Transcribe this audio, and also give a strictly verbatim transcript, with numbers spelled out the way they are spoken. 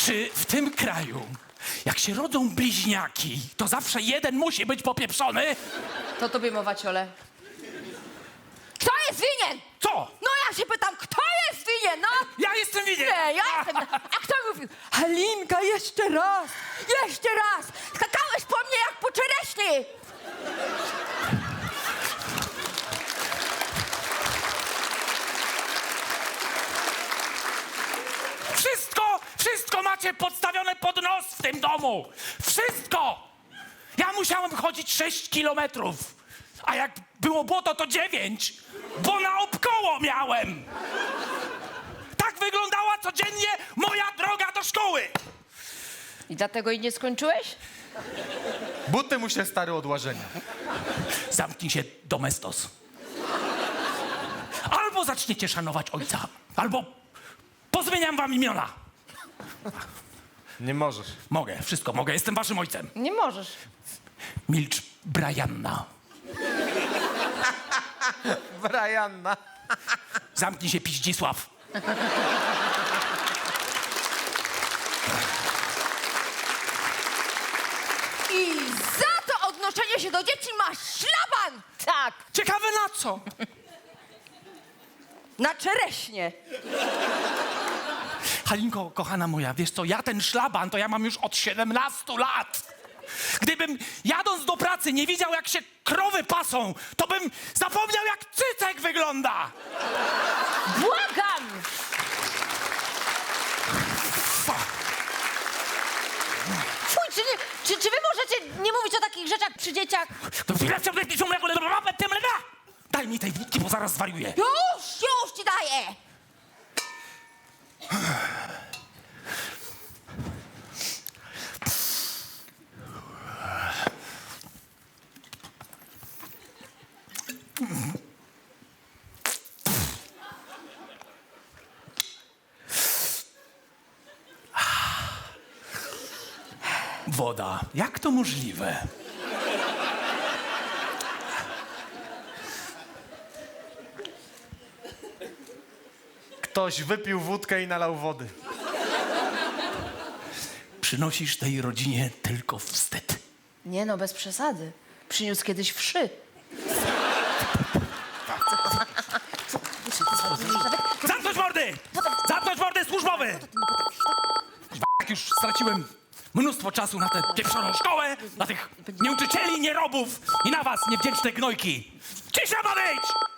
Czy w tym kraju, jak się rodzą bliźniaki, to zawsze jeden musi być popieprzony? To tobie mowa, ciole. Kto jest winien? Co? No ja się pytam, kto jest winien, no? Ja jestem winien! Nie, ja jestem. A kto mówił? Halinka, jeszcze raz, jeszcze raz. Skakałeś po mnie jak po czereśni. Wszystko, wszystko macie podstawione pod nos w tym domu! Wszystko! Ja musiałem chodzić sześć kilometrów, a jak było błoto, to dziewięć, bo naokoło miałem! Tak wyglądała codziennie moja droga do szkoły! I dlatego i nie skończyłeś? Buty mu się stary od łażenia. Zamknij się, domestos. Albo zaczniecie szanować ojca, albo pozmieniam wam imiona. Nie możesz. Mogę, wszystko mogę, jestem waszym ojcem. Nie możesz. Milcz, Brianna. Brianna. Zamknij się, Piździsław. I za to odnoszenie się do dzieci masz szlaban! Tak, Ciekawe na co? na czereśnie. Halinko, kochana moja, wiesz co, ja ten szlaban to ja mam już od siedemnastu lat. Gdybym jadąc do pracy nie widział, jak się krowy pasą, to bym zapomniał, jak cycek wygląda. Błagam! Fuj, czy, nie, czy, czy wy możecie nie mówić o takich rzeczach przy dzieciach? Daj mi tej wódki, bo zaraz zwariuję. Już, już ci daję! Woda. Jak to możliwe? Ktoś wypił wódkę i nalał wody. Przynosisz tej rodzinie tylko wstyd. Nie no, bez przesady. Przyniósł kiedyś wszy. Zamknąć mordy! Zamknąć mordy służbowy! Jak już straciłem mnóstwo czasu na tę pieprzoną szkołę, na tych nieuczycieli, nierobów i na was, niewdzięczne gnojki. Cisza ma być!